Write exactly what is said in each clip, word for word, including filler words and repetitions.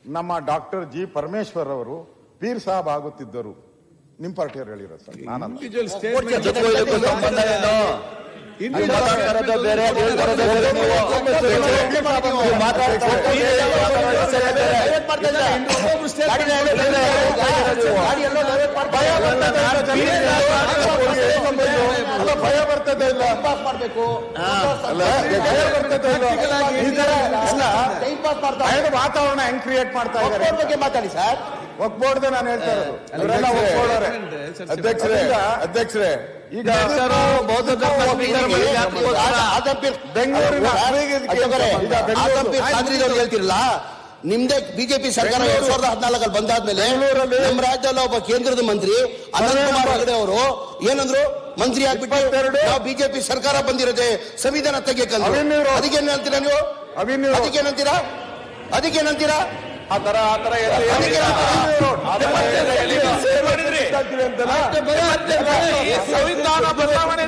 ನಮ್ಮ doctor G Parameshwar ಅವರು peer Sab ಆಗುತ್ತಿದ್ದರು. ನಿಮ್ಮ ಪಾರ್ಟಿಯವರು ಹೇಳಿರೋ ಸರ್, ನಾನಲ್ಲ. ಭಯ ಬರ್ತದೆ ಇಲ್ಲ, ವಾತಾವರಣ ಹೆಂಗ್ ಕ್ರಿಯೇಟ್ ಮಾಡ್ತಾ ಇದ್ದಾರೆ ಮಾತಾಡಿ ಸರ್. ಒಗ್ಬೋಡ್ದೆ ನಾನು ಹೇಳ್ತಾ ಇರೋದು. ಅಧ್ಯಕ್ಷರೇ ಅಧ್ಯಕ್ಷರೇ ಈಗ ಬೆಂಗಳೂರು ಹೇಳ್ತಿರಲ್ಲ, ನಿಮ್ದೇ ಬಿಜೆಪಿ ಸರ್ಕಾರ ಎರಡ್ ಸಾವಿರದ ಹದಿನಾಲ್ಕಲ್ಲಿ ಬಂದಾದ್ಮೇಲೆ ನಮ್ಮ ರಾಜ್ಯದಲ್ಲಿ ಒಬ್ಬ ಕೇಂದ್ರದ ಮಂತ್ರಿ ಅನಂತ್ ಕುಮಾರ್ ಹೆಗಡೆ ಅವರು ಏನಂದ್ರು, ಮಂತ್ರಿ ಆಗ್ಬಿಟ್ಟು ನಾವು ಬಿಜೆಪಿ ಸರ್ಕಾರ ಬಂದಿರೋದೆ ಸಂವಿಧಾನ ತೆಗಿಯಕ್ಕಂದ್ರು. ಅದಕ್ಕೇನ್ ಹೇಳ್ತೀರಾ ನೀವು? ಅದಕ್ಕೇನಂತೀರಾ ಅದಕ್ಕೇನಂತೀರಾ ಆ ತರ ಆ ತರ ಸಂವಿಧಾನ ಬದಲಾವಣೆ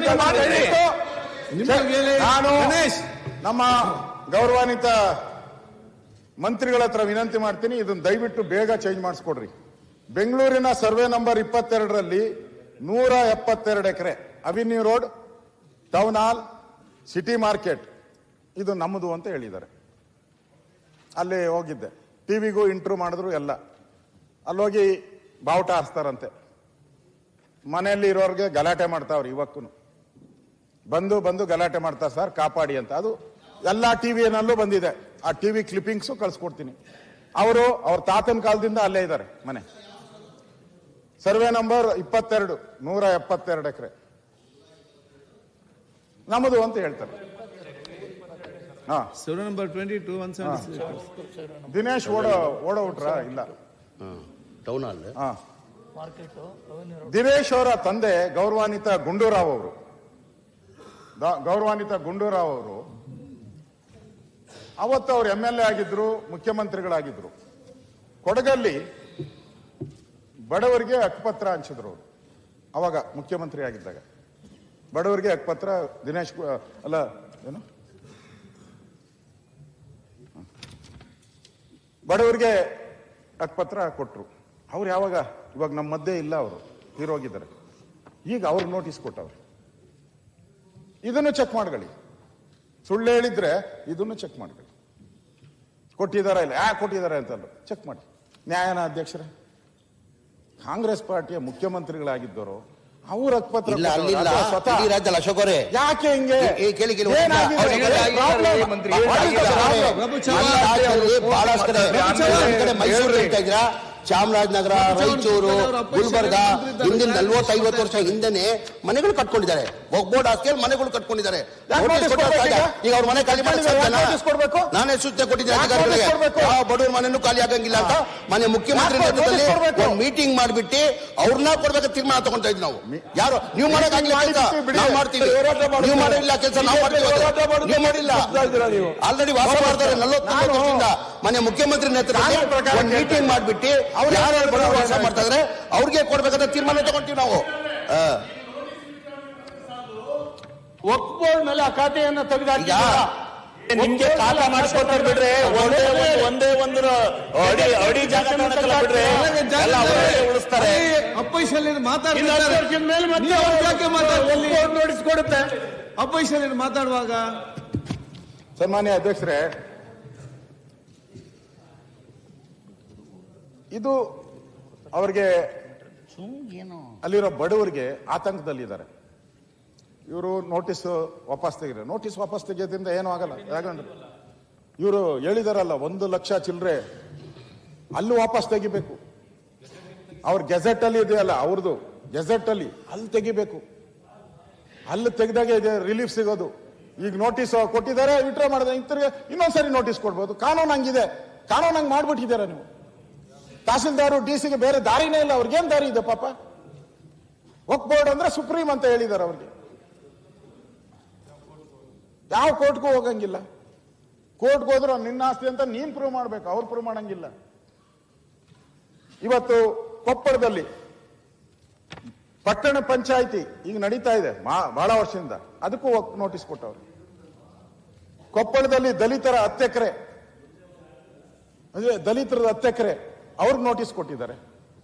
ನಾನು ನಮ್ಮ ಗೌರವಾನ್ವಿತ ಮಂತ್ರಿಗಳ ಹತ್ರ ವಿನಂತಿ ಮಾಡ್ತೀನಿ, ಇದನ್ನ ದಯವಿಟ್ಟು ಬೇಗ ಚೇಂಜ್ ಮಾಡಿಸ್ಕೊಡ್ರಿ. ಬೆಂಗಳೂರಿನ ಸರ್ವೆ ನಂಬರ್ ಇಪ್ಪತ್ತೆರಡರಲ್ಲಿ ನೂರ ಎಪ್ಪತ್ತೆರಡು ಎಕರೆ avenue road, town hall, city market ಇದು ನಮ್ಮದು ಅಂತ ಹೇಳಿದ್ದಾರೆ. ಅಲ್ಲಿ ಹೋಗಿದ್ದೆ, ಟಿವಿಗೂ ಇಂಟ್ರೂ ಮಾಡಿದ್ರು ಎಲ್ಲ. ಅಲ್ಲೋಗಿ ಬಾವುಟ ಹಾರಿಸ್ತಾರಂತೆ. ಮನೆಯಲ್ಲಿ ಇರೋರಿಗೆ ಗಲಾಟೆ ಮಾಡ್ತಾವ್ರಿ. ಇವಕ್ಕೂ ಬಂದು ಬಂದು ಗಲಾಟೆ ಮಾಡ್ತಾರೆ ಸರ್, ಕಾಪಾಡಿ ಅಂತ. ಅದು ಎಲ್ಲ ಟಿವಿನಲ್ಲೂ ಬಂದಿದೆ. ಆ ಟಿವಿ ಕ್ಲಿಪ್ಪಿಂಗ್ಸು ಕಳ್ಸಿಕೊಡ್ತೀನಿ. ಅವರು ಅವ್ರ ತಾತನ ಕಾಲದಿಂದ ಅಲ್ಲೇ ಇದ್ದಾರೆ ಮನೆ. ಸರ್ವೆ ನಂಬರ್ ಇಪ್ಪತ್ತೆರಡು, ನೂರ ಎಪ್ಪತ್ತೆರಡು ಎಕರೆ ನಮ್ಮದು ಅಂತ ಹೇಳ್ತಾರೆ. ಹಾ, survey number twenty two one seventy Dinesh ಓಡ ಓಡೋಟ್ರ ಇಲ್ಲ. Town hall. ಹಾ, ದಿನೇಶ್ ಅವರ ತಂದೆ ಗೌರವಾನ್ವಿತ ಗುಂಡೂರಾವ್ ಅವರು ಗೌರವಾನ್ವಿತ ಗುಂಡೂರಾವ್ ಅವರು ಅವತ್ತು ಅವ್ರು ಎಂ ಎಲ್ ಎ ಆಗಿದ್ರು, ಮುಖ್ಯಮಂತ್ರಿಗಳಾಗಿದ್ರು. ಕೊಡಗಲ್ಲಿ ಬಡವರಿಗೆ ಹಕ್ಕುಪತ್ರ ಹಂಚಿದ್ರು ಅವರು. ಅವಾಗ ಮುಖ್ಯಮಂತ್ರಿ ಆಗಿದ್ದಾಗ ಬಡವರಿಗೆ ಹಕ್ಕುಪತ್ರ ದಿನೇಶ್ ಅಲ್ಲ ಏನು ಬಡವರಿಗೆ ಹಕ್ಕುಪತ್ರ ಕೊಟ್ರು. ಅವ್ರು ಯಾವಾಗ ಇವಾಗ ನಮ್ಮ ಮಧ್ಯೆ ಇಲ್ಲ, ಅವರು ತೀರೋಗಿದ್ದಾರೆ. ಈಗ ಅವ್ರಿಗೆ ನೋಟಿಸ್ ಕೊಟ್ಟವ್ರು. ಇದನ್ನು ಚೆಕ್ ಮಾಡ್ಕೊಳ್ಳಿ. ಸುಳ್ಳು ಹೇಳಿದ್ರೆ ಇದನ್ನು ಚೆಕ್ ಮಾಡ್ಕೊಳ್ಳಿ. ಕೊಟ್ಟಿದಾರ ಇಲ್ಲ, ಯಾಕೆ ಕೊಟ್ಟಿದ್ದಾರೆ ಅಂತಲ್ಲ ಚೆಕ್ ಮಾಡಿ. ನ್ಯಾಯನ ಅಧ್ಯಕ್ಷರೇ? ಕಾಂಗ್ರೆಸ್ ಪಾರ್ಟಿಯ ಮುಖ್ಯಮಂತ್ರಿಗಳಾಗಿದ್ದರು, ಅವ್ರ ಹಕ್ಕುಪತ್ರ ಅಶೋಕ್ ಅವರೇ ಯಾಕೆ ಹಿಂಗೆ ಮೈಸೂರು ಹೇಳ್ತಾ ಇದ್ದೀರಾ? ಚಾಮರಾಜನಗರ, ರಾಯಚೂರು, ಗುಲ್ಬರ್ಗ ಹಿಂದಿನ ನಲ್ವತ್ತೈವತ್ತು ವರ್ಷ ಹಿಂದೆನೆ ಮನೆಗಳು ಕಟ್ಕೊಂಡಿದ್ದಾರೆ. ಬೋರ್ಡ್ ಹಾಕಿ ಮನೆಗಳು ಕಟ್ಕೊಂಡಿದ್ದಾರೆ. ಈಗ ಅವ್ರ ಮನೆ ಖಾಲಿ ಮಾಡಿ ನಾನೇ ಸೂಚನೆ ಕೊಟ್ಟಿದ್ದೆ ಅಧಿಕಾರಿಗಳಿಗೆ, ಯಾವ ಬಡವ್ರ ಮನೆಯೂ ಖಾಲಿ ಆಗಂಗಿಲ್ಲ ಅಂತ. ಮನೆ ಮುಖ್ಯಮಂತ್ರಿ ನೇತೃತ್ವದಲ್ಲಿ ಒಂದು ಮೀಟಿಂಗ್ ಮಾಡಿಬಿಟ್ಟು ಅವ್ರನ್ನ ಕೊಡ್ಬೇಕು ತೀರ್ಮಾನ ತಗೊಂತಾ ಇದ್ವಿ ನಾವು. ಯಾರು ನೀವು ಮಾಡಕ್ಕಾಗಿಲ್ಲ ಕೆಲಸ ನಾವು ಮಾಡ್ತೀವಿ, ನೀವು ಮಾಡಿಲ್ಲ ಕೆಲಸ ನಾವು ಮಾಡ್ತೀವಿ, ನೀವು ಮಾಡಿಲ್ಲ. ಆಲ್ರೆಡಿ ವಾಸ ಮಾಡ್ತಾರೆ ನಲ್ವತ್ತು ವರ್ಷದಿಂದ. ಮನೆ ಮುಖ್ಯಮಂತ್ರಿ ನೇತೃತ್ವದಲ್ಲಿ ಒಂದು ಮೀಟಿಂಗ್ ಮಾಡಿಬಿಟ್ಟು ಅವ್ರು ಯಾರು ಬಡವರು ವಾಸ ಮಾಡ್ತಾ ಇದ್ರೆ ಅವ್ರಿಗೆ ಕೊಡ್ಬೇಕಂತ ತೀರ್ಮಾನ ತಗೊಂತೀವಿ ನಾವು. ವಕ್ಫ್ ಬೋರ್ಡ್ ಮೇಲೆ ಆ ಖಾತೆಯನ್ನು ತೆಗೆದಾಕಿದ್ದಾರೆ. ನಿಮ್ಗೆ ಖಾತಾ ಮಾಡಿಸ್ಕೊಡ್ತಾರೆ ಬಿಡ್ರೆ, ಒಂದೇ ಒಂದೇ ಒಂದು ಅಡಿ ಅಡಿ ಜಾಗ ಬಿಡ್ರೆ ಉಳಿಸ್ತಾರೆ. ಅಪೋಸಿಷನ್ ನೋಟಿಸ್ ಕೊಡುತ್ತೆ. ಅಪೋಸಿಷನ್ ಮಾತಾಡುವಾಗ ಸನ್ಮಾನ್ಯ ಅಧ್ಯಕ್ಷರೇ, ಇದು ಅವ್ರಿಗೆ ಅಲ್ಲಿರೋ ಬಡವರಿಗೆ ಆತಂಕದಲ್ಲಿದ್ದಾರೆ. ಇವರು ನೋಟಿಸ್ ವಾಪಸ್ ತೆಗಿದ್ರೆ ನೋಟಿಸ್ ವಾಪಸ್ ತೆಗೆಯೋದ್ರಿಂದ ಏನೂ ಆಗಲ್ಲ. ಯಾಕಂದ್ರೆ ಇವರು ಹೇಳಿದಾರಲ್ಲ ಒಂದು ಲಕ್ಷ ಚಿಲ್ಲರೆ ಅಲ್ಲೂ ವಾಪಸ್ ತೆಗಿಬೇಕು. ಅವ್ರ ಗೆಜೆಟ್ ಅಲ್ಲಿ ಇದೆಯಲ್ಲ ಅವ್ರದ್ದು ಗೆಜೆಟ್ ಅಲ್ಲಿ ಅಲ್ಲಿ ತೆಗಿಬೇಕು. ಅಲ್ಲಿ ತೆಗೆದಾಗ ಇದೆ ರಿಲೀಫ್ ಸಿಗೋದು. ಈಗ ನೋಟಿಸ್ ಕೊಟ್ಟಿದ್ದಾರೆ, ವಿಡ್ರಾ ಮಾಡಿದ್ರೆ ಇಂತರಿಗೆ ಇನ್ನೊಂದ್ಸರಿ ನೋಟಿಸ್ ಕೊಡ್ಬೋದು. ಕಾನೂನು ಹಂಗಿದೆ, ಕಾನೂನು ಹಂಗೆ ಮಾಡ್ಬಿಟ್ಟಿದ್ದಾರೆ ನೀವು. ತಹಸೀಲ್ದಾರು ಡಿ ಸಿಗೆ ಬೇರೆ ದಾರಿನೇ ಇಲ್ಲ. ಅವ್ರಿಗೇನ್ ದಾರಿ ಇದೆ ಪಾಪ? ವಕ್ಫ್ ಬೋರ್ಡ್ ಅಂದ್ರೆ ಸುಪ್ರೀಂ ಅಂತ ಹೇಳಿದ್ದಾರೆ ಅವ್ರಿಗೆ. ಯಾವ ಕೋರ್ಟ್ಗೂ ಹೋಗಂಗಿಲ್ಲ. ಕೋರ್ಟ್ಗೆ ಹೋದ್ರು ನಿನ್ನ ಆಸ್ತಿ ಅಂತ ನೀನ್ ಪ್ರೂವ್ ಮಾಡ್ಬೇಕು, ಅವ್ರು ಪ್ರೂವ್ ಮಾಡಂಗಿಲ್ಲ. ಇವತ್ತು ಕೊಪ್ಪಳದಲ್ಲಿ ಪಟ್ಟಣ ಪಂಚಾಯಿತಿ ಈಗ ನಡೀತಾ ಇದೆ ಬಹಳ ವರ್ಷದಿಂದ, ಅದಕ್ಕೂ ನೋಟಿಸ್ ಕೊಟ್ಟವ್ರು. ಕೊಪ್ಪಳದಲ್ಲಿ ದಲಿತರ ಹತ್ತು ಎಕರೆ ಅದೇ ದಲಿತರದ ಹತ್ತು ಎಕರೆ ಅವ್ರಿಗೆ ನೋಟಿಸ್ ಕೊಟ್ಟಿದ್ದಾರೆ.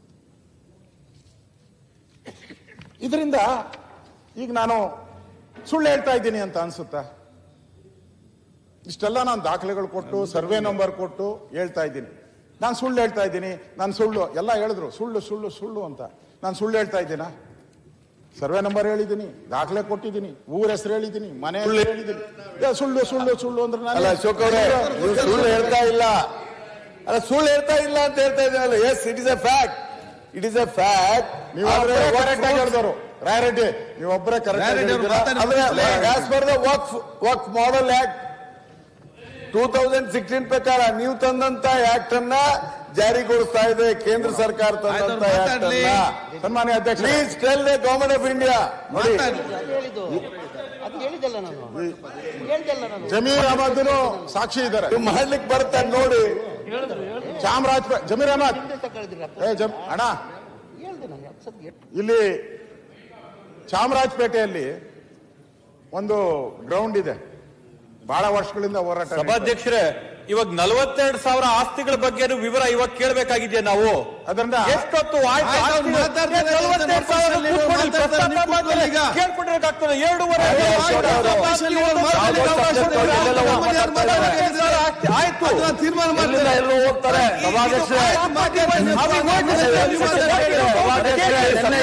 ಇದರಿಂದ ಈಗ ನಾನು ಸುಳ್ಳು ಹೇಳ್ತಾ ಇದ್ದೀನಿ ಅಂತ ಅನ್ಸುತ್ತಾ? ಇಷ್ಟೆಲ್ಲ ನಾನು ದಾಖಲೆಗಳು ಕೊಟ್ಟು ಸರ್ವೆ ನಂಬರ್ ಕೊಟ್ಟು ಹೇಳ್ತಾ ಇದ್ದೀನಿ. ನಾನು ಸುಳ್ಳು ಹೇಳ್ತಾ ಇದ್ದೀನಿ, ನಾನು ಸುಳ್ಳು ಎಲ್ಲ ಹೇಳಿದ್ರು ಸುಳ್ಳು ಸುಳ್ಳು ಸುಳ್ಳು ಅಂತ. ನಾನು ಸುಳ್ಳು ಹೇಳ್ತಾ ಇದ್ದೀನಾ? ಸರ್ವೆ ನಂಬರ್ ಹೇಳಿದ್ದೀನಿ, ದಾಖಲೆ ಕೊಟ್ಟಿದ್ದೀನಿ, ಊರ ಹೆಸರು ಹೇಳಿದ್ದೀನಿ, ಮನೆ ಹೆಸರು ಹೇಳಿದ್ದೀನಿ. ಏ, ಸುಳ್ಳು ಸುಳ್ಳು ಸುಳ್ಳು ಅಂದ್ರೆ ನಾನು ಅಲ್ಲ ಅಶೋಕ್ ಅವರೇ, ನೀವು ಸುಳ್ಳು ಹೇಳ್ತಾ ಇಲ್ಲ. ಅಲ್ಲ ಸುಳ್ಳು ಹೇಳ್ತಾ ಇಲ್ಲ ಅಂತ ಹೇಳ್ತಾ ಇದ್ದೀನಲ್ಲ. Yes, it is a fact. It is a fact. ನೀವೊಬ್ಬರೇ ಕರೆಕ್ಟ್ ಆಗಿ ಹೇಳಿದವರು ರಾಯರೆಡ್ಡಿ, ನೀವೊಬ್ಬರೇ ಕರೆಕ್ಟ್ ಆಗಿ ಹೇಳಿದ್ದೀರಾ. As per the waqf waqf model act two thousand sixteen ಪ್ರಕಾರ ನೀವು ತಂದಂತ ಆಕ್ಟ್ ಅನ್ನ ಜಾರಿಗೊಳಿಸ್ತಾ ಇದೆ ಕೇಂದ್ರ ಸರ್ಕಾರ ತಂದಂತ ಆಕ್ಟ್ ಅನ್ನ. ಸನ್ಮಾನ್ಯ ಅಧ್ಯಕ್ಷ, please tell the government of India. ನೋಡಿ, ಅದು ಹೇಳಿದ್ದಲ್ಲ ನಾನು ಹೇಳ್ದಲ್ಲ ನಾನು ಜಮೀರ್ ಅಹಮದ್ ಸಾಕ್ಷಿ ಇದ್ದಾರೆ. ನೀವು ಮಾಡ್ಲಿಕ್ಕೆ ಬರ್ತಾರೆ ನೋಡಿ. ಚಾಮರಾಜಪೇಟೆ ಜಮೀರ್ ಅಹಮದ್ ಏ ಜಮ್ ಅಣ್ಣ, ಹೇಳ್ದೆ ನಾನು ಹತ್ತು ಸತಿ ಎಷ್ಟು ಇಲ್ಲಿ ಚಾಮರಾಜಪೇಟೆಯಲ್ಲಿ ಒಂದು ಗ್ರೌಂಡ್ ಇದೆ, ಬಹಳ ವರ್ಷಗಳಿಂದ ಹೋರಾಟ. ಸಭಾಧ್ಯಕ್ಷರೇ, ಇವಾಗ ನಲವತ್ತೆರಡು ಸಾವಿರ ಆಸ್ತಿಗಳ ಬಗ್ಗೆ ವಿವರ ಇವಾಗ ಕೇಳಬೇಕಾಗಿದೆಯಾ ನಾವು? ಅದರಿಂದ ಎಷ್ಟೊತ್ತು ಆಯ್ತು? ಆಯ್ತು, ಅವ್ರು ಆಸ್ತಿಗಳು ಮಾತಾಡ್ತಾರೆ, ನಲವತ್ತೆರಡು ಸಾವಿರ ಮಾತಾಡ್ತಾರೆ, ಕೂತ್ಕೊಳ್ಳಿ, ಪ್ರಸ್ತಾಪ ನೀವು ಮಾಡ್ತಾರೆ, ಈಗ. ಕೇಳ್ಕೊಂಡಿರೋಕ್ಕಾಗ್ತದೆ. ಎರಡೂವರೆ ಆಯ್ತು, ಆಯ್ತು, ಆಫೀಸಲ್ಲಿ ಇವ್ರು ಮಾತಾಡ್ಲಿಕ್ಕೆ ಅವಕಾಶ ಇದೆ. ಆಯ್ತು, ಆಯ್ತು. ಅದನ್ನ ತೀರ್ಮಾನ ಮಾಡ್ತಾರೆ. ಎಲ್ಲರೂ ಹೋಗ್ತಾರೆ. ಸಭಾಧ್ಯಕ್ಷರೇ, ಆಯ್ತು, ಮಾತಾಡಿ. ನೀವು ಅವ್ರಿಗೆ ಮಾತಾಡಿ. ನೀವು ಮಾತಾಡಿ. ಸಭಾಧ್ಯಕ್ಷರೇ, ನೆನ್ನೆ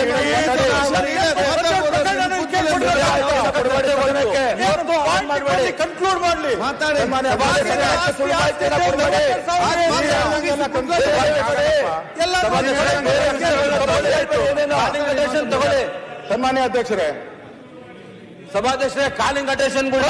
ಕನ್ಕ್ಲೂಡ್ ಮಾಡ್ಲಿ. ಮಾತಾಡಿ. ಸನ್ಮಾನ್ಯ ಅಧ್ಯಕ್ಷರೇ, ಸಭಾಧ್ಯಕ್ಷರೇ, ಕಾಲಿಂಗ್ ಅಟೆನ್ಷನ್ ಕೂಡ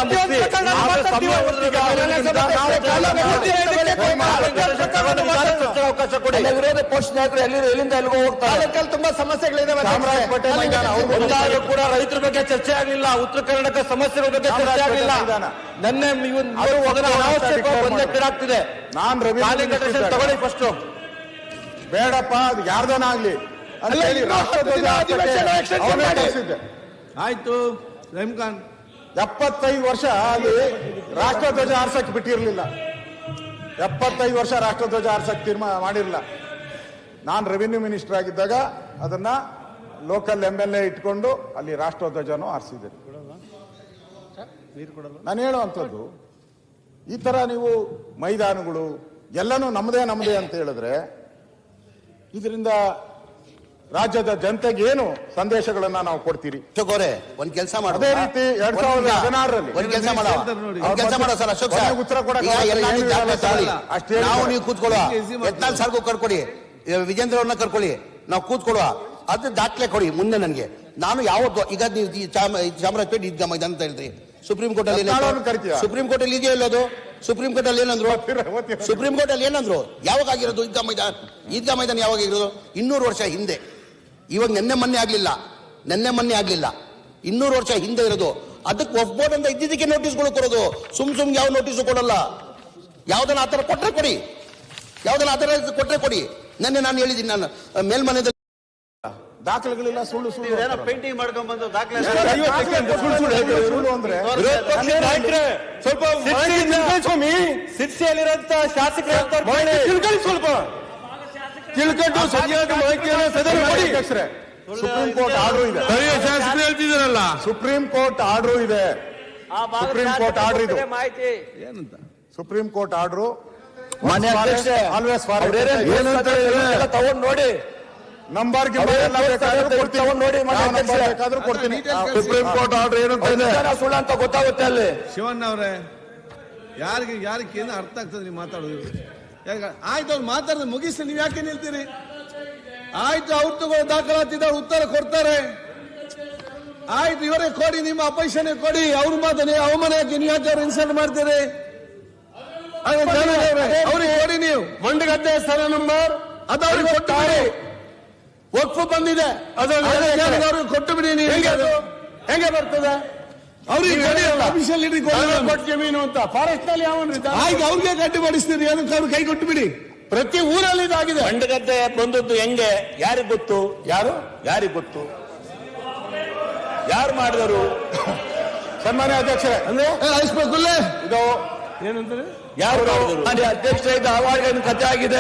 ಅವಕಾಶ ಕೊಡಿ. ವಿರೋಧ ಪಕ್ಷ ನಾಯಕರು ಎಲ್ಲಿಂದ ಎಲ್ಲಿಂದ ಎಲ್ಲಿಗೂ ಹೋಗ್ತಾರೆ. ತುಂಬಾ ಸಮಸ್ಯೆಗಳಿದಾವೆ. ಚಾಮರಾಜಪೇಟೆ ಮೈದಾನ ಒಂದಾದ್ರೂ ಕೂಡ ರೈತರ ಬಗ್ಗೆ ಚರ್ಚೆ ಆಗಲಿಲ್ಲ, ಉತ್ತರ ಕರ್ನಾಟಕ ಸಮಸ್ಯೆಗಳ ಬಗ್ಗೆ ಚರ್ಚೆ ಆಗಲಿಲ್ಲ. ನಿನ್ನೆ ಗೊಂದಲಕ್ಕಿಡಾಗ್ತಿದೆ. ನಾನ್ ರವಿ ಕಾಲಿಂಗ್ ಅಟೆನ್ಷನ್ ತಗೊಳ್ಳಿ ಫಸ್ಟ್. ಬೇಡಪ್ಪ, ಅದು ಯಾರ್ದನ ಆಗ್ಲಿ ಅಂತ ಹೇಳಿ ರಾಷ್ಟ್ರಧ್ವಜ ಅವನೇ ಕಳಿಸಿದ್ದೆ. ಆಯ್ತು, ರಹೀಂ ಖಾನ್ ಎಪ್ಪತ್ತೈದು ವರ್ಷ ಅಲ್ಲಿ ರಾಷ್ಟ್ರಧ್ವಜ ಆರ್ಸಕ್ ಬಿಟ್ಟಿರ್ಲಿಲ್ಲ. ಎಪ್ಪತ್ತೈದು ವರ್ಷ ರಾಷ್ಟ್ರಧ್ವಜ ಆರ್ಸಕ್ ತೀರ್ಮಾನ ಮಾಡಿರಲಿಲ್ಲ. ನಾನು ರೆವಿನ್ಯೂ ಮಿನಿಸ್ಟರ್ ಆಗಿದ್ದಾಗ ಅದನ್ನ ಲೋಕಲ್ ಎಂ ಎಲ್ ಎ ಇಟ್ಕೊಂಡು ಅಲ್ಲಿ ರಾಷ್ಟ್ರಧ್ವಜನೂ ಆರಿಸಿದೆ. ನಾನು ಹೇಳುವಂಥದ್ದು, ಈ ತರ ನೀವು ಮೈದಾನಗಳು ಎಲ್ಲನೂ ನಮ್ಮದೇ ನಮ್ಮದೇ ಅಂತ ಹೇಳಿದ್ರೆ ಇದರಿಂದ ರಾಜ್ಯದ ಜನತೆಗೆ ಏನು ಸಂದೇಶಗಳನ್ನ ನಾವು ಕೊಡ್ತೀರಿ? ಅಶೋಕ್ ಒಂದ್ ಕೆಲಸ ಮಾಡೋ. ಅದೇ ರೀತಿ ಎರಡ್ ಸಾವಿರದ ಹದಿನಾರರಲ್ಲಿ ಒಂದ್ ಕೆಲಸ ಮಾಡೋ ಒಂದ್ ಕೆಲಸ ಮಾಡೋ ಸರ್ ಅಶೋಕ್ ಸರ್, ಉತ್ತರ ಕೊಡಕ್ಕೆ ಈಗ ಎಲ್ಲ ಏನು ದಾಖಲೆ ಇಲ್ಲ ತಗೊಳ್ಳಿ. ಅಷ್ಟೇ ನಾವು ನೀವು ಕೂತ್ಕೊಳ್ಳುವ, ಯತ್ನಾಳ್ ಸರ್ಗೂ ಕರ್ಕೊಡಿ, ವಿಜೇಂದ್ರ ಅವ್ರನ್ನ ಕರ್ಕೊಳ್ಳಿ, ನಾವು ಕೂತ್ಕೊಳ್ಳುವ, ಅದು ದಾಖಲೆ ಕೊಡಿ ಮುಂದೆ ನನಗೆ. ನಾನು ಯಾವತ್ತು ಈಗ ನೀವು ಈ ಚಾಮ- ಚಾಮರಾಜಪೇಟೆ ಈದ್ಗಾ ಮೈದಾನ ಅಂತ ಹೇಳಿದ್ರಿ, ಸುಪ್ರೀಂ ಕೋರ್ಟ್ ಅಲ್ಲಿ ಯತ್ನಾಳ್ ಕರಿತೀಯ? ಸುಪ್ರೀಂ ಕೋರ್ಟ್ ಅಲ್ಲಿ ಇದೆಯೋ ಇಲ್ಲೋದು? ಸುಪ್ರೀಂ ಕೋರ್ಟ್ ಅಲ್ಲಿ ಏನಂದ್ರು? ಓದ್ತೀರ? ಸುಪ್ರೀಂ ಕೋರ್ಟ್ ಅಲ್ಲಿ ಏನಂದ್ರು? ಯಾವಾಗ ಆಗಿರೋದು ಈದ್ಗಾ ಮೈದಾನ? ಈದ್ಗಾ ಮೈದಾನ ಯಾವಾಗ ಆಗಿರೋದು? ಇನ್ನೂರು ವರ್ಷ ಹಿಂದೆ. ಇವಾಗ ನೆನ್ನೆ ಮೊನ್ನೆ ಆಗ್ಲಿಲ್ಲ, ನೆನ್ನೆ ಮೊನ್ನೆ ಆಗ್ಲಿಲ್ಲ, ಇನ್ನೂರು ವರ್ಷ ಹಿಂದೆ ಇರೋದು. ಅದಕ್ಕೆ ವಕ್ಫ್ ಬೋರ್ಡ್ ಅಂತ ಇದ್ದಿದ್ದಕ್ಕೆ ನೋಟಿಸ್ಗಳು ಕೊಡೋದು. ಸುಮ್ ಸುಮ್ ಯಾವ ನೋಟಿಸ್ ಕೊಡಲ್ಲ. ಯಾವ್ದನ್ನ ಆತರ ಕೊಟ್ರೆ ಕೊಡಿ, ಯಾವ್ದನ್ನ ಆತರ ಕೊಟ್ರೆ ಕೊಡಿ. ನೆನ್ನೆ ನಾನು ಹೇಳಿದ್ದೀನಿ, ನಾನು ಮೇಲ್ಮನೆಯಲ್ಲಿ ದಾಖಲೆಗಳಿಲ್ಲ, ಸುಳ್ಳು ಸುಳ್ಳು ಪೇಂಟಿಂಗ್ ಮಾಡ್ಕೊಂಡ್ ಬಂದು ದಾಖಲೆ ಸುಳ್ಳು ಅಂದ್ರೆ ಸ್ವಲ್ಪ ಸಿರ್ಸಿಯಲ್ಲಿರುವಂತ ಶಾಸಕರು ಸ್ವಲ್ಪ ತಿಳ್ಕೊಂಡು ಸರಿಯಾದ ಮಾಹಿತಿಯನ್ನು ಸದನ ಮಾಡಿ. ಅಧ್ಯಕ್ಷರೇ, ಸುಪ್ರೀಂ ಕೋರ್ಟ್ ಆರ್ಡರ್ ಇದೆ. ಶಾಸಕರು ಹೇಳ್ತಿದಾರಲ್ಲ, ಸುಪ್ರೀಂ ಕೋರ್ಟ್ ಆರ್ಡರ್ ಇದೆ. ಸುಪ್ರೀಂ ಕೋರ್ಟ್ ಆರ್ಡರ್ ಇದು. ಏನಂತ ಸುಪ್ರೀಂ ಕೋರ್ಟ್ ಆರ್ಡರ್ ಮಾನ್ಯ ಅಧ್ಯಕ್ಷರೇ, ಆಲ್ವೇಸ್ ಏನಂತ ತಗೊಂಡ್ ನೋಡಿ, ನಂಬರ್ ತಗೊಂಡ್ ನೋಡಿ ಬೇಕಾದ್ರೂ ಕೊಡ್ತೀನಿ. ಸುಪ್ರೀಂ ಕೋರ್ಟ್ ಆರ್ಡರ್ ಏನಂತ ಇದೆ ಸುಳ್ಳು ಅಂತ ಗೊತ್ತಾಗುತ್ತೆ ಅಲ್ಲಿ. ಶಿವಣ್ಣ ಅವರೇ, ಯಾರಿಗೆ ಯಾರಿಗೆ ಏನು ಅರ್ಥ ಆಗ್ತದೆ ನೀವು ಮಾತಾಡೋದು? ಯಾಕೆ ಆಯ್ತು, ಅವ್ರು ಮಾತಾಡಿದ್ರೆ ಮುಗಿಸಿ, ನೀವು ಯಾಕೆ ನಿಲ್ತೀರಿ? ಆಯ್ತು, ಅವ್ರು ತಗೋ ದಾಖಲಾತಿದ್ದಾರೆ, ಉತ್ತರ ಕೊಡ್ತಾರೆ. ಆಯ್ತು, ಇವರೇ ಕೊಡಿ, ನಿಮ್ಮ ಅಪೋಸಿಷನ್ ಕೊಡಿ, ಅವ್ರು ಮಾತಾಡಿ, ಅವಮಾನ ಯಾಕೆ ನೀವು ಯಾಕೆ ಅವ್ರು ಇನ್ಸಲ್ಟ್ ಮಾಡ್ತೀರಿ? ಅವ್ರಿಗೆ ಕೊಡಿ ನೀವು. ಮಂಡಗದ್ದೆ ಸ್ಥಳ ನಂಬರ್ ಅದು ಅವ್ರಿಗೆ ಕೊಟ್ಟು ಬಿಡಿ. ವಕ್ಫ್ ಬಂದಿದೆ, ಅದು ಅವ್ರಿಗೆ ಕೊಟ್ಟು ಬಿಡಿ ನೀವು. ಹೆಂಗೆ ಬರ್ತದೆ? ಅವ್ರಿಗೆ ಕೊಡಿ, ಅಫಿಷಿಯಲ್ ಇಡಿ ಕೊಡಿ. ಜಮೀನು ಅಂತ ಫಾರೆಸ್ಟ್ ನಲ್ಲಿ ಯಾವನ್ರಿದ್ದ? ಆಯ್ತು, ಅವ್ರಿಗೆ ಗಟ್ಟಿ ಮಾಡಿಸ್ತೀರಿ, ಅದಕ್ಕೆ ಅವ್ರು ಕೈ ಕೊಟ್ಟು ಬಿಡಿ. ಪ್ರತಿ ಊರಲ್ಲಿ ಇದಾಗಿದೆ. ಮಂಡಗದ್ದೆ ಬಂದದ್ದು ಹೆಂಗೆ? ಯಾರಿಗ್ ಗೊತ್ತು? ಯಾರು ಯಾರಿಗ್ ಗೊತ್ತು? ಯಾರು ಮಾಡಿದರು? ಸನ್ಮಾನ್ಯ ಅಧ್ಯಕ್ಷರೇ, ಅಂದ್ರೆ ಇದು ಏನಂತಾರೆ ಯಾರು ಕಾಡಿದ್ರು? ಅಧ್ಯಕ್ಷ ಇದ್ದ ಆವಾಗ ಕಥೆ ಆಗಿದೆ.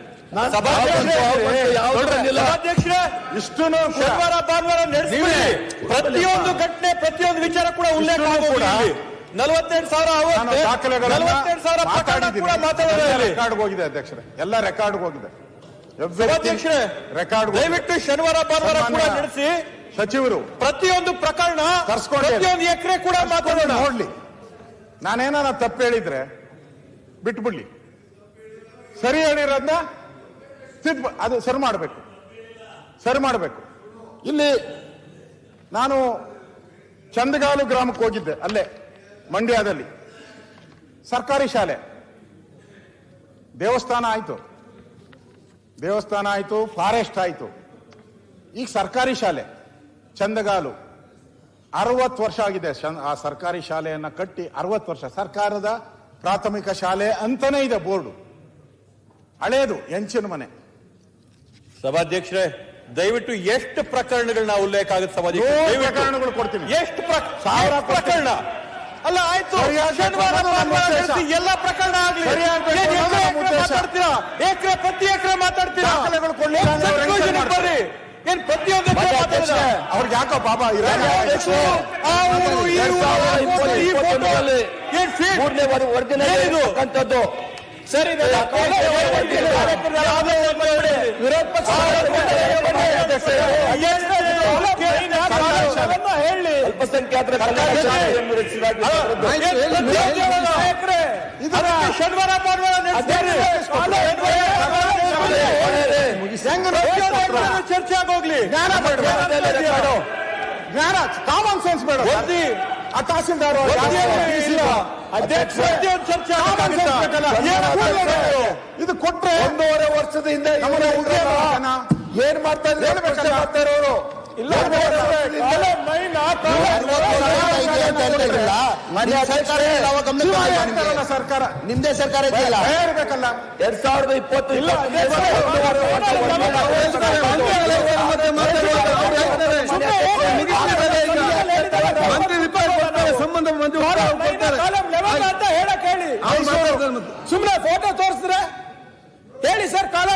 ಸಭಾಧ್ಯಕ್ಷರೇ, ಇಷ್ಟು ಶನಿವಾರ ಭಾನುವಾರ ನಡೆಸಿಬಿಡಿ. ಪ್ರತಿಯೊಂದು ಘಟನೆ ಪ್ರತಿಯೊಂದು ವಿಚಾರ ಕೂಡ ಉಲ್ಲೇಖ ಆಗೋಗಿದೆ. ನಲವತ್ತೆಂಟು ಸಾವಿರ ನಲವತ್ತೆಂಟು ಸಾವಿರ ಪ್ರಕರಣ ಕೂಡ ಮಾತಾಡೋದು ರೆಕಾರ್ಡ್ ಹೋಗಿದೆ ಅಧ್ಯಕ್ಷರೇ, ಎಲ್ಲ ರೆಕಾರ್ಡ್ ಹೋಗಿದೆ. ಸಭಾಧ್ಯಕ್ಷರೇ, ರೆಕಾರ್ಡ್ ದಯವಿಟ್ಟು ಶನಿವಾರ ಭಾನುವಾರ ಕೂಡ ನಡೆಸಿ ಸಚಿವರು ಪ್ರತಿಯೊಂದು ಪ್ರಕರಣ ಕರ್ಸ್ಕೊಂಡು ಪ್ರತಿಯೊಂದು ಎಕರೆ ಕೂಡ ಮಾತಾಡೋಣ. ನೋಡ್ಲಿ, ನಾನೇನ ತಪ್ಪು ಹೇಳಿದ್ರೆ ಬಿಟ್ಬಿಡ್ಲಿ, ಸರಿ ಹೇಳಿರೋದನ್ನ ಅದು ಸರಿ ಮಾಡಬೇಕು ಸರಿ ಮಾಡಬೇಕು. ಇಲ್ಲಿ ನಾನು ಚಂದಗಾಲು ಗ್ರಾಮಕ್ಕೆ ಹೋಗಿದ್ದೆ, ಅಲ್ಲೇ ಮಂಡ್ಯದಲ್ಲಿ ಸರ್ಕಾರಿ ಶಾಲೆ, ದೇವಸ್ಥಾನ ಆಯ್ತು ದೇವಸ್ಥಾನ ಆಯ್ತು ಫಾರೆಸ್ಟ್ ಆಯ್ತು, ಈಗ ಸರ್ಕಾರಿ ಶಾಲೆ ಚಂದಗಾಲು ಅರವತ್ತು ವರ್ಷ ಆಗಿದೆ. ಆ ಸರ್ಕಾರಿ ಶಾಲೆಯನ್ನ ಕಟ್ಟಿ ಅರವತ್ತು ವರ್ಷ, ಸರ್ಕಾರದ ಪ್ರಾಥಮಿಕ ಶಾಲೆ ಅಂತಾನೆ ಇದೆ ಬೋರ್ಡು, ಹಳೇದು ಎಂಚಿನ ಮನೆ. ಸಭಾಧ್ಯಕ್ಷರೇ, ದಯವಿಟ್ಟು ಎಷ್ಟು ಪ್ರಕರಣಗಳನ್ನ ಉಲ್ಲೇಖ ಆಗುತ್ತೆ ಸಭಾಧ್ಯಕ್ಷ? ಪ್ರಕರಣಗಳು ಕೊಡ್ತೀನಿ. ಎಷ್ಟು ಸಾವಿರ ಪ್ರಕರಣ ಅಲ್ಲ, ಆಯ್ತು ಶನಿವಾರ ಎಲ್ಲ ಪ್ರಕರಣ ಆಗ್ಲಿ. ಮಾತಾಡ್ತೀರಾ ಎಕರೆ ಪ್ರತಿ ಎಕರೆ ಮಾತಾಡ್ತೀರಾ? ಬರ್ರಿ, ಏನ್ ಪ್ರತಿಯೊಂದು ಅವ್ರಿಗೆ ಯಾಕೋ ಬಾಬಾ ಏನ್ ಸರಿ, ವಿರೋಧ ಪಕ್ಷ ಹೇಳಿ ಅಲ್ಪಸಂಖ್ಯಾತರ ಶನಿವಾರ ಚರ್ಚೆ ಆಗೋಗ್ಲಿ. ಜ್ಞಾನ ಕಾಮನ್ ಸೆನ್ಸ್ ಬೇಡ. ಆ ತಹಸೀಲ್ದಾರ್ ಅಧ್ಯಕ್ಷ ಚರ್ಚೆ ಇದು ಕೊಟ್ರೆ ಒಂದೂವರೆ ವರ್ಷದ ಹಿಂದೆ ಏನ್ ಮಾಡ್ತಾ ಇದ್ರೆ ಮಾಡ್ತಾ ಇರೋರು ಇಲ್ಲ. ಸರ್ಕಾರ ನಿಮ್ದೇ ಸರ್ಕಾರ ಇದೆಯಲ್ಲ, ಇರ್ಬೇಕಲ್ಲ. ಎರಡ್ ಸಾವಿರದ ಇಪ್ಪತ್ತು ಇಲ್ಲ